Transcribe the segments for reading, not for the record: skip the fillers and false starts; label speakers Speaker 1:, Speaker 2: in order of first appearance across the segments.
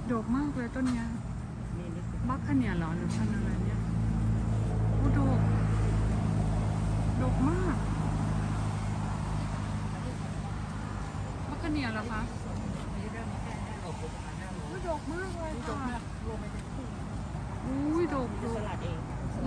Speaker 1: ดกมากเลยต้นเนี้ยบัคคาเนียเหรอหรือพันธุ์อะไรเนี่ยโอ้ดกมากบัคคาเนียเหรอคะโอ้ดกมากเลยค่ะอุ้ยดก
Speaker 2: สลัดเอง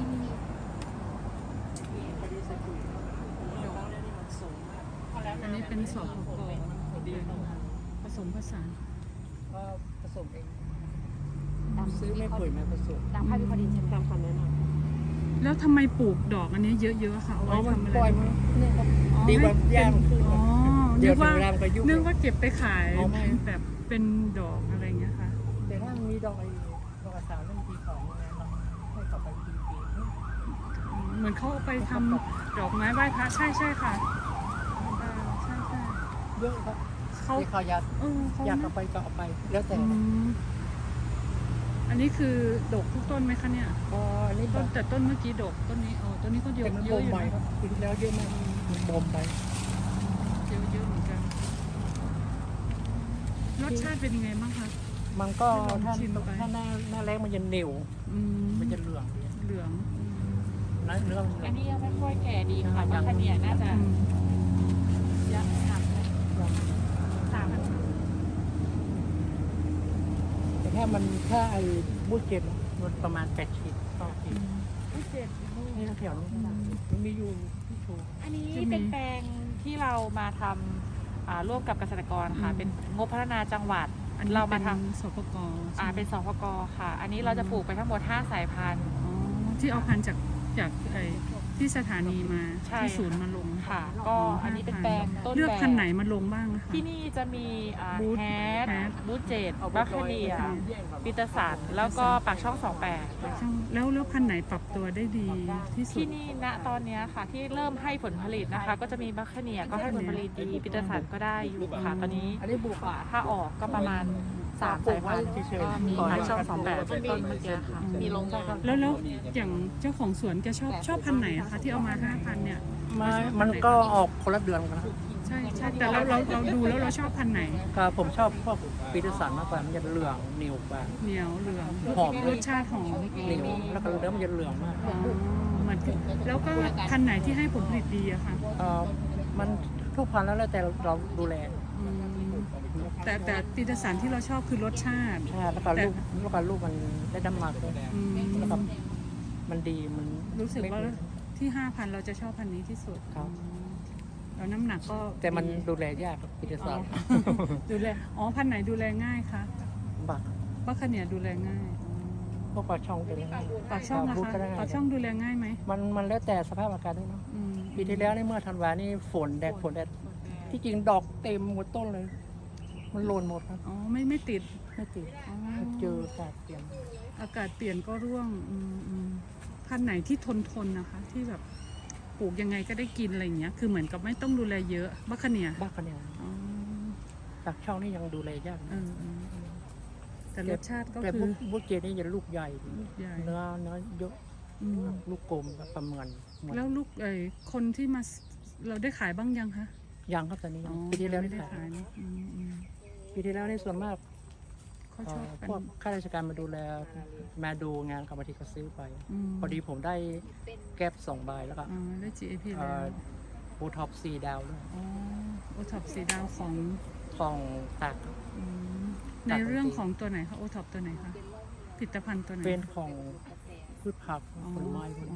Speaker 1: อันนี้เป็นสอบกผสมผสาน
Speaker 2: ก็ผสมเองซื้อไม่ปุ๋ยมาผสม
Speaker 3: ตามภาพวิเคราะห์ดินใช่ไหม
Speaker 2: ตามคำแนะนำ
Speaker 1: แล้วทำไมปลูกดอกอันนี้เยอะๆค่ะเอาไว้ทำอะไร
Speaker 2: ปล่อยมันนี่ครับดีกว่าแย่งขึ้น
Speaker 1: อ๋อ
Speaker 2: เดี๋
Speaker 1: นึ
Speaker 2: ยว
Speaker 1: กว่า
Speaker 2: ถึงเวลามันก็ยุ่ง
Speaker 1: นึกว่าเก็บไปขาย
Speaker 2: อ๋อไม่
Speaker 1: แบบเป็นดอกอะไรเงี้ยค่ะ
Speaker 2: แต่ถ้ามันมีดอกดอกสาวเรื่องปีสองเนี่ยเราให้กลับไปปี
Speaker 1: เหมือนเขาเอาไปทำดอกไม้ไหว้พระใช่ค่ะใช่
Speaker 2: เยอะครับ
Speaker 1: เขา
Speaker 2: ที่เขาอยาก
Speaker 1: เขา
Speaker 2: อยากเอาไปก็เอาไปแล้วแต่
Speaker 1: อันนี้คือดกทุกต้นไหมคะเนี่ย
Speaker 2: พออันนี้
Speaker 1: ต้
Speaker 2: ต้
Speaker 1: น
Speaker 2: น
Speaker 1: แต่ต้นเมื่อกี้ดกต้นนี้ต้นนี้ก็เย
Speaker 2: แต่
Speaker 1: อะ
Speaker 2: มัน
Speaker 1: เย
Speaker 2: บ่
Speaker 1: อะ
Speaker 2: ม
Speaker 1: อยู่
Speaker 2: ไป
Speaker 1: นะครับ
Speaker 2: ปีที่แล้วเยอะมากมันบ่มไป
Speaker 1: เยอะเหมือนกันรสชาติเป็นยังไงบ้างคะ
Speaker 2: มันก็
Speaker 1: ลอง
Speaker 2: ถ้า
Speaker 1: ชิมไป
Speaker 2: ถ้าหน้าแรงมันจะเหนียวมันจะเหลือง
Speaker 1: เหลือง
Speaker 2: เนื้อ
Speaker 3: อันนี้ยังไม่ค่อยแก่ดีค่ะบัคคาเนียน่าจะยังหนักเลยสาม
Speaker 2: แต่ถ้าไอ้บูเก็ตมันประมาณ8 ขีดต่อขีด
Speaker 3: เจ็ด
Speaker 2: นี่แถวนี้มันมีอยู่ที่โชว์
Speaker 3: อันนี้เป็นแปลงที่เรามาทำร่วมกับเกษตรกรค่ะ เป็นงบพัฒนาจังหวัด
Speaker 1: อันนี้
Speaker 3: เรามาท
Speaker 1: สปก
Speaker 3: เป็นสพกค่ะ อันนี้เราจะปลูกไปทั้งหมด5สายพันธุ์
Speaker 1: ที่เอาพันธุ์จากที่สถานีมา
Speaker 3: ใช่
Speaker 1: ที่ศูนย์มาลง
Speaker 3: ค่ะ ก็อันนี้เป็นแปลงต้น
Speaker 1: เลือก
Speaker 3: แบบ
Speaker 1: พันธุ์ไหนมาลงบ้างนะคะ
Speaker 3: ที่นี่จะมี
Speaker 1: บูธ
Speaker 3: แฮด
Speaker 1: แฮด
Speaker 3: บูธเจดบัคคาเนียปีเตอร์สันแล้วก็ปากช่อง
Speaker 1: แล้วพันธุ์ไหนปรับตัวได้ดีที่
Speaker 3: 28
Speaker 1: สุ
Speaker 3: ที่
Speaker 1: ด
Speaker 3: นี่ณตอนเนี้ยค่ะ ที่เริ่มให้ผลผลิตนะคะ ก็จะมีบัคคาเนียก็ให้ผลผลิตดีปีเตอร์สันก็ได้อยู่ค่ะ ตอนนี้
Speaker 2: อันนี้บุก
Speaker 3: ถ้าออกก็ประมาณ3สายพันธุ์ก็มีปากช่อง 28เป็นต้นเมื่อกี้ค่ะ
Speaker 1: มีลงแล้วอย่างเจ้าของสวนแกชอบพันธุ์ไหนอะคะที่เอามา5,000เนี่ย
Speaker 2: มันก็ออกคนละเดือนกันนะ
Speaker 1: ใช่แต่เราดูแล้วเราชอบพันธุ์ไหน
Speaker 2: ก็ผมชอบพวกปีเตอร์สันมากกว่ามันจะเหลืองเหนียวกว่า
Speaker 1: เหนียวเหลือง
Speaker 2: หอม
Speaker 1: รสชาติหอม
Speaker 2: เหนียวแล้วก็เนื้อมันจะเหลืองมาก
Speaker 1: เหมือนแล้วก็พันธุ์ไหนที่ให้ผลผลิตดีอะคะ
Speaker 2: มันทุกพันธุ์แล้วแต่เราดูแล
Speaker 1: แต่ปีเตอร์สันที่เราชอบคือรสชาติ
Speaker 2: ใช่แล้วก็ลูกมันได้น้ำหนักด้วยแล้วก็มันดีมัน
Speaker 1: รู้สึกว่าที่5,000เราจะชอบพันธุ์นี้ที่สุด
Speaker 2: ครับ
Speaker 1: แล้วน้ำหนักก็
Speaker 2: แต่มันดูแลยากปีเตอร์สัน
Speaker 1: ดูแลพันธุ์ไหนดูแลง่ายคะ
Speaker 2: บัก
Speaker 1: บัคคาเนียดูแลง่าย
Speaker 2: พวกปลาช่องเป็นยังไง
Speaker 1: ปากช่องนะ
Speaker 2: พูด
Speaker 1: คะ
Speaker 2: ก็ได้
Speaker 1: ปากช่องดูแลง่ายไหม
Speaker 2: มันแล้วแต่สภาพอากาศด้วยเนาะปีที่แล้วนี่เมื่อธันวานี่ฝนแดดที่จริงดอกเต็มหมดต้นเลย มันโลนหมดครับ
Speaker 1: อ๋อไม่ติด
Speaker 2: ไม่ติด
Speaker 1: อ๋อ
Speaker 2: เจออากาศเปลี่ยน
Speaker 1: อากาศเปลี่ยนก็ร่วงพันธุ์ไหนที่ทนนะคะ ที่แบบปลูกยังไงก็ได้กินอะไรอย่างเงี้ยคือเหมือนกับไม่ต้องดูแลเยอะบัคคาเนีย
Speaker 2: บ้ากันเนี่ย
Speaker 1: อ๋อ
Speaker 2: ปากช่องนี่ยังดูแลยาก
Speaker 1: แต่รสชาติก็
Speaker 2: แต่
Speaker 1: คือ
Speaker 2: บุกเจนี่จะลูกใหญ่
Speaker 1: ลูกใหญ่
Speaker 2: เนื้อเยอะลูกกลมกับประเมิน
Speaker 1: แล้วลูกคนที่มาเราได้ขายบ้างยังคะ
Speaker 2: ยังครับตอนนี้
Speaker 1: อ๋อ
Speaker 2: ปีที่แล้ว
Speaker 1: ไม่
Speaker 2: นี่
Speaker 1: ได้
Speaker 2: ขาย
Speaker 1: ขายนะ
Speaker 2: ปีที่แล้วนี่ส่วนมาก
Speaker 1: เขาชอบกัน
Speaker 2: พวกข้าราชการมาดูแลมาดูงานกรรมธิการซื้อไป พอดีผมได้แก๊ป2 ใบแล้วก็
Speaker 1: ได้ GAP แล้ว
Speaker 2: โอท็อป4 ดาวด้วย
Speaker 1: โอท็อปสีดาวของ
Speaker 2: ของตาก
Speaker 1: ในเรื่องของตัวไหนคะโอท็อปตัวไหนคะผลิตภัณฑ์ตัวไหน
Speaker 2: เป็นของพืชผักผลไม้พวกนี้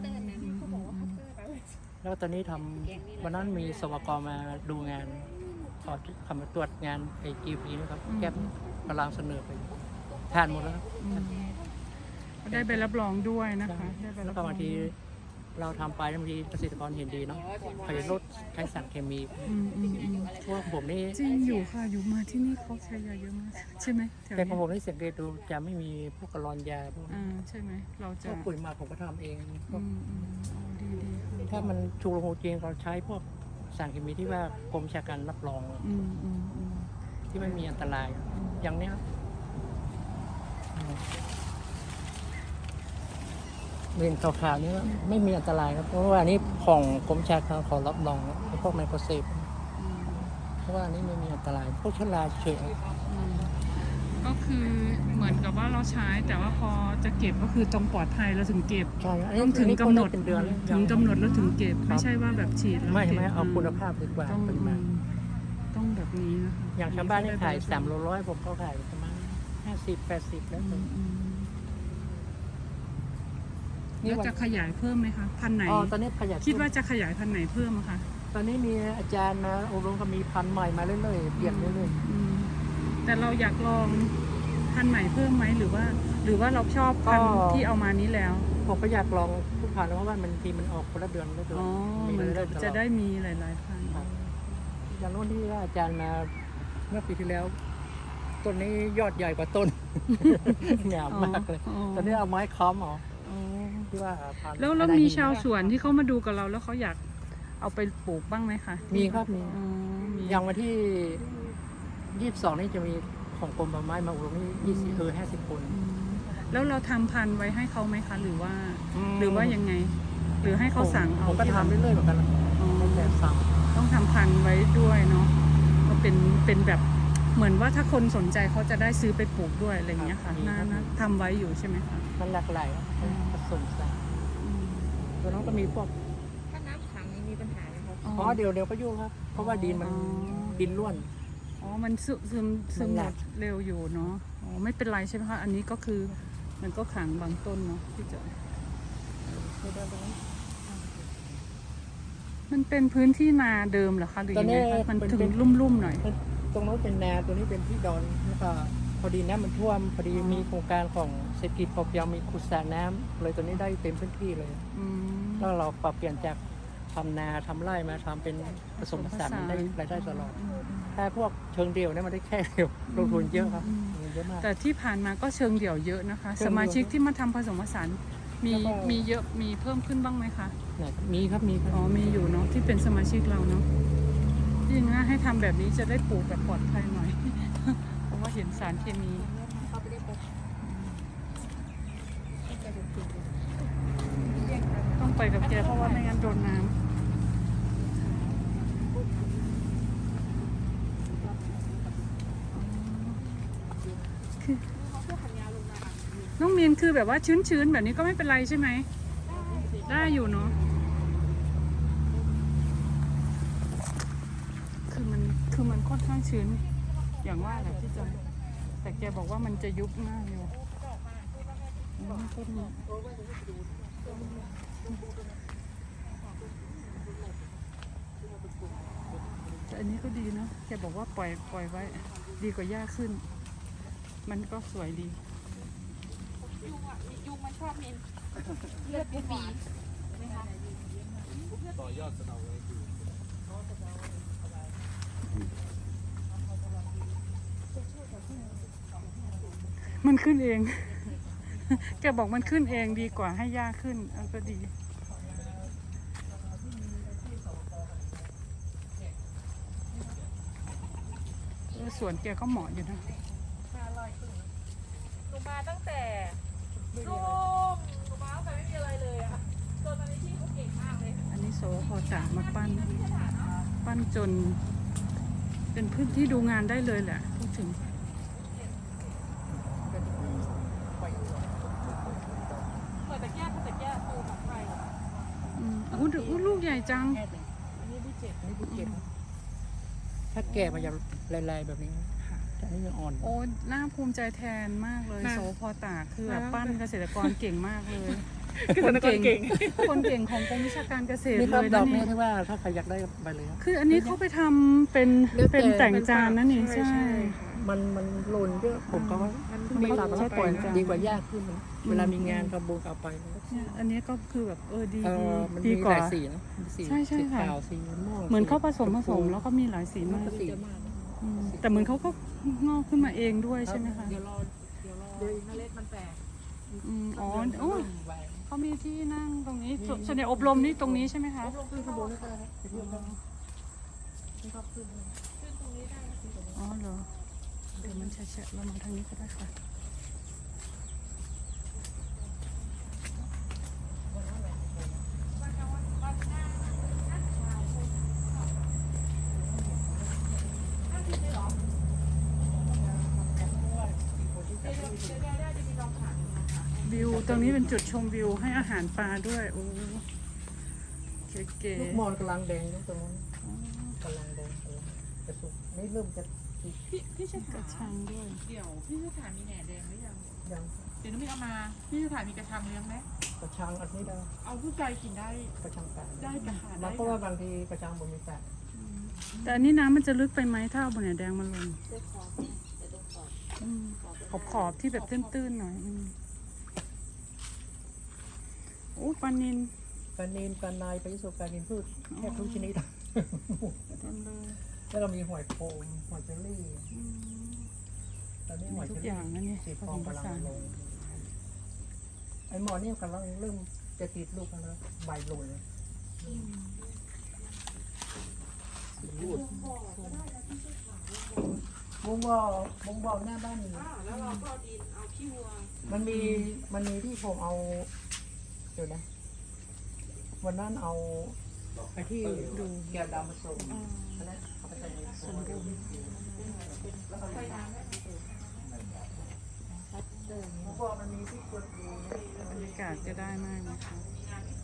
Speaker 2: แล้วตอนนี้วันนั้นมีสวกมาดูงานขอทำมาตรวจงานไอจีพีนะครับแก๊ปกำลังเสนอไปทานหมดแล้วครับ
Speaker 1: ได้ใบรับรองด้วยนะคะได้ใบ
Speaker 2: แล้
Speaker 1: รั
Speaker 2: ว
Speaker 1: บ
Speaker 2: ก็
Speaker 1: รอง
Speaker 2: บางทีเราทำไปบางทีเกษตรกรเห็นดีเนาะเขาจะลดใช้สารเคมีเพราะว่าผมนี่
Speaker 1: จริงอยู่ค่ะอยู่มาที่นี่เขาใช้ยาเยอะมากใช่ไหมแถว
Speaker 2: แต่ของ
Speaker 1: นี้
Speaker 2: ผมนี่สังเกตดูจะไม่มีพวกกระลอนยาพวก
Speaker 1: ใช่ไหมเรา
Speaker 2: พ
Speaker 1: จะ
Speaker 2: วกปุ๋ยหมาผมก็ทำเองพวก
Speaker 1: ดี
Speaker 2: ถ้ามันชูโรงจริงเราใช้พวกสารเคมีที่ว่ากรมวิชาการรับรอง ที่ไม่มีอันตราย อย่างเนี้ยเห็นข่าวๆนี้ว่าไม่มีอันตรายครับเพราะว่าอันนี้ของกรมวิชาการขอรับรองพวกไมโครเซฟเพราะว่าอันนี้ไม่มีอันตรายพวกเชื้อราเฉย
Speaker 1: ก็คือกับว่าเราใช้แต่ว่าพอจะเก็บก็คือต้องปลอดภัยเราถึงเก็บ
Speaker 2: ใช่อันนี้
Speaker 1: ต้องถึงกำหนด
Speaker 2: เป็นเดือน
Speaker 1: ถึงกำหนดแล้วถึงเก็บ
Speaker 2: ครับ
Speaker 1: ไม่ใช่ว่าแบบฉีดแล้ว
Speaker 2: ไม่
Speaker 1: ก็บ
Speaker 2: ไม่เอาคุณภาพดีกว่า
Speaker 1: ต้อง
Speaker 2: ปริมาณ
Speaker 1: ต้องแบบนี้นะคะ
Speaker 2: อย่างชาวบ้านนี่ขาย300ผมก็ขายประมาณ50-80แล้ว
Speaker 1: อื
Speaker 2: แต่
Speaker 1: มอืม
Speaker 2: นี่
Speaker 1: แล้ว
Speaker 2: วัน
Speaker 1: จะขยายเพิ่มไหมคะพันธุ์ไหน
Speaker 2: อ๋อตอนนี้ขยาย
Speaker 1: คิดว่าจะขยายพันธุ์ไหนเพิ่มอะคะ
Speaker 2: ตอนนี้มีอาจารย์มาอบรมก็มีพันธุ์ใหม่มาเรื่อยๆเปลี่ยนเรื่อย
Speaker 1: อืมแต่เราอยากลองพันธุ์ใหม่เพิ่มไหมหรือว่าเราชอบพันธุ์ที่เอามานี้แล้ว
Speaker 2: ๆผมก็อยากลองทุกพันธุ์เพราะว่ามันทีมันออกคนละเดือนละเดือน
Speaker 1: อ๋อ
Speaker 2: มี
Speaker 1: มัน
Speaker 2: เรื่อยๆตลอ
Speaker 1: จะได้มีหลายๆพันธุ์
Speaker 2: ครับอย่างโน้นที่ว่าอาจารย์มาเมื่อปีที่แล้วต้นนี้ยอดใหญ่กว่าต้น งามมากเลย ตอนนี้เอาไม้ค้ำเอา
Speaker 1: อ๋อ
Speaker 2: ที่ว่าพันธุ์
Speaker 1: แล้ว
Speaker 2: อะไร
Speaker 1: มี
Speaker 2: หิน
Speaker 1: ชาวสวนที่เขามาดูกับเราแล้วเขาอยากเอาไปปลูกบ้างไหมคะ
Speaker 2: มีครับมี
Speaker 1: อ๋อมี
Speaker 2: อย่างวันที่22นี่จะมีของกรมป่าไม้มาอบรมนี่50 คน
Speaker 1: อืมแล้วเราทำพันธุ์ไว้ให้เขาไหมคะหรือว่ายังไง หรือให้เขาสั่งเอา
Speaker 2: ผมก็ทำเรื่อยๆเหมือนกันนะ
Speaker 1: อ๋อ
Speaker 2: แต่สั่ง
Speaker 1: ต้องทำพันธุ์ไว้ด้วยเนาะก็เป็นแบบเหมือนว่าถ้าคนสนใจเขาจะได้ซื้อไปปลูกด้วยอะไรอย่างเงี้ยค่ะน่าทำไว้อยู่ใช่ไหมคะ
Speaker 2: มันหลากหลายครับผสมสาร
Speaker 1: อืม
Speaker 2: ตัวน้องก็มีพวก
Speaker 3: ถ้าน้ำขังนี้มีปัญหาไหมครับ
Speaker 2: อ๋อเดี๋ยวก็ยุ่งครับ เพราะว่าดินมันดินร่วน
Speaker 1: อ๋อมันซึม
Speaker 2: มัน
Speaker 1: ห
Speaker 2: ห
Speaker 1: ม
Speaker 2: นัก
Speaker 1: ดเร็วอยู่เนาะอ๋อไม่เป็นไรใช่ไหมคะอันนี้ก็คือมันก็ขังบางต้นเนาะที่จะมันเป็นพื้นที่นาเดิมเหรอคะหรือยังไงคะมันถึงลุ่มๆหน่อย
Speaker 2: ตรงโน้นเป็นนาตัวนี้เป็นที่ดอนแล้วก็พอดีน้ำมันท่วมพอดีมีโครงการของเศรษฐกิจพอเพียงมีขุดสระน้ำเลยตัวนี้ได้เต็มพื้นที่เลย
Speaker 1: อืม
Speaker 2: แล้วเราปรับเปลี่ยนจากทำนาทำไร่มาทำเป็นผสมผสานมันได้รายได้ตลอด ถ้าพวกเชิงเดี่ยวเนี่ยมันได้แค่เดียวลงทุนเยอะครับเยอะมาก
Speaker 1: แต่ที่ผ่านมาก็เชิงเดี่ยวเยอะนะคะ
Speaker 2: เชิ
Speaker 1: ส
Speaker 2: งเดี่ยว
Speaker 1: มาชิกที่มาทำผสมผสานมี
Speaker 2: แล้วก็
Speaker 1: มีเยอะมีเพิ่มขึ้นบ้างไหมคะ
Speaker 2: เนี่ยมีครับมีครับ
Speaker 1: อ๋อมีอยู่เนาะที่เป็นสมาชิกเราเนาะที่จริงนะให้ทำแบบนี้จะได้ปลูกแบบปลอดภัยหน่อย เพราะว่าเห็นสารเคมีต้องไปกับแกเพราะว่าไม่งั้นโดนน้ำคือน้องมีนคือแบบว่าชื้นๆแบบนี้ก็ไม่เป็นไรใช่ไหม ได้อยู่เนาะ คือมันค่อนข้างชื้น อย่างว่าแหละที่จอยแต่แกบอกว่ามันจะยุบง่ายอยู่อืมต้นนี้แต่อันนี้ก็ดีเนาะแกบอกว่าปล่อยไว้ ดีกว่าหญ้าขึ้น มันก็สวยดี
Speaker 3: ยุงมันชอบเมนเลือดปีไหมคะ
Speaker 1: มันขึ้นเอง แกบอกมันขึ้นเองดีกว่าให้หญ้าขึ้นก็ดี สวนแกก็เหมาะอยู่นะ
Speaker 3: หนูมาตั้งแต่ลูกหนูมาตั้งแต่ไม่มีอะไรเลยอะจนตอนนี้ที่เขาเก่งมากเลย
Speaker 1: อันนี้โซพอตากมาปั้นจน เป็นพื้นที่ดูงานได้เลยแหละพูดถึง
Speaker 3: เปิดตะแกรงตูแบบไฟ
Speaker 1: อู้ลูกใหญ่จัง
Speaker 3: อันนี้ดีเจ็ด
Speaker 2: นี่ดูเก็บถ้าแก่มันจะลายๆแบบนี้แต่อันนี้ยังอ่อน
Speaker 1: โอ้น่าภูมิใจแทนมากเลยโซพอตากคือแบบปั้นเกษตรกรเก่งมากเลย คนเก่งของกรมวิชาการเกษตร
Speaker 2: นี่ค
Speaker 1: เล
Speaker 2: รับ
Speaker 1: ย
Speaker 2: ด
Speaker 1: นะ
Speaker 2: อก
Speaker 1: นี่
Speaker 2: นี้ที่ว่าถ้าใครอยากได้ใบเลยครับ
Speaker 1: คืออันนี้เขาไปทำเป็นแต่งจานนั่นเองใช่
Speaker 2: มันหล่นเยอะผมก็ว่า
Speaker 1: มี
Speaker 2: ตัด
Speaker 1: ใช้
Speaker 2: ปล่อย
Speaker 1: แต่งจาน
Speaker 2: ดีกว่ายากขึ้นนะเวลามีงานกระบุกเอาไป
Speaker 1: เนี่ยอันนี้ก็คือแบบดี
Speaker 2: มัน
Speaker 1: ดี
Speaker 2: มี
Speaker 1: ก
Speaker 2: ห
Speaker 1: ว่า
Speaker 2: ลายสีนะมีสี
Speaker 1: ใช่
Speaker 2: สี
Speaker 1: ค่ะ
Speaker 2: ขาวสีม่วง
Speaker 1: เหมือนเขาผสม
Speaker 2: ชพู
Speaker 1: แล้วก็มีหลายสีมาก
Speaker 2: สี
Speaker 1: แต่เหมือนเขาก็งอกขึ้นมาเองด้วยใช่ไหมคะ
Speaker 3: เดี๋ยวรอเมล็ดมันแตก
Speaker 1: อ๋อโอ้เขามีที่นั่งตรงนี้ส่วนใหญ่อบรมนี่ตรงนี้ใช่ไหมคะ
Speaker 2: ขึ้นข้างบนนี่ก็ได้ครับไปเที่ยวกันนี่ก็ขึ้น
Speaker 1: อ๋อเหรอเดี๋ยวมันแฉะๆเรามาทางนี้ก็ได้ค่ะวิวตรงนี้เป็นจุดชมวิวให้อาหารปลาด้วยโอ้เก๋
Speaker 2: ลูกมอนกำลังแดงอยู่ตรงนั้นกำลังแดงกำลังจะสุกนี่เริ่มจะ
Speaker 3: พี่ช
Speaker 1: ๆก
Speaker 3: ถา
Speaker 1: ระชังด้วย
Speaker 3: เดี๋ยวพี่ชถามีแหน่แดงหรือยัง
Speaker 2: ยัง
Speaker 3: เดี๋ยวน้องมิ้นเอามาพี่ชถามีกระชังเลี้ยงไหม
Speaker 2: กระชังอันนี้ได้
Speaker 3: เอาผู้ใจกินได้
Speaker 2: กระชังแตก
Speaker 3: ได้กระหา
Speaker 2: มั
Speaker 3: ได้
Speaker 2: นเพราะว่าบางทีกระชังบนมีแตก
Speaker 1: แต่อันนี้น้ำมันจะลึกไปไหมถ้าเอาบนแดงมาลงขอบที่แบบตื้นๆหน่อยโอ้ปลานิล
Speaker 2: ปลานิลปลาในปลายิสุปลานิลพืชแทบทุกชนิด
Speaker 1: เต็มเลย
Speaker 2: แล้วเรามีหอยโขมหอยเจลลี่ตอนนี้หอย
Speaker 1: ทุ
Speaker 2: เจ
Speaker 1: ก
Speaker 2: ล
Speaker 1: อ
Speaker 2: ลี่
Speaker 1: ย่างนะเนี่ย
Speaker 2: สี
Speaker 1: ผ
Speaker 2: ท
Speaker 1: ส
Speaker 2: อง
Speaker 1: มผ
Speaker 2: กำลัง
Speaker 1: สาน
Speaker 2: ลงไอ้หมอนี่กำลังเริ่มจะติดลูกแล้วนะใบโรยเลยวงบ่อหน้าบ้านนี่
Speaker 3: แล้วเราก็ดินเอาขี้วัว
Speaker 2: มันมีที่ผมเอาเดี๋ยวนะ วันนั้นเอาไปที่ดูแก้วดำมาส่งอันนั้นเอาไปใส่ในสมบูรณ์แล้วก็ใส่น้ำเพราะว่ามันมีที่กดดู
Speaker 1: บรรยากาศจะได้มากนะคะ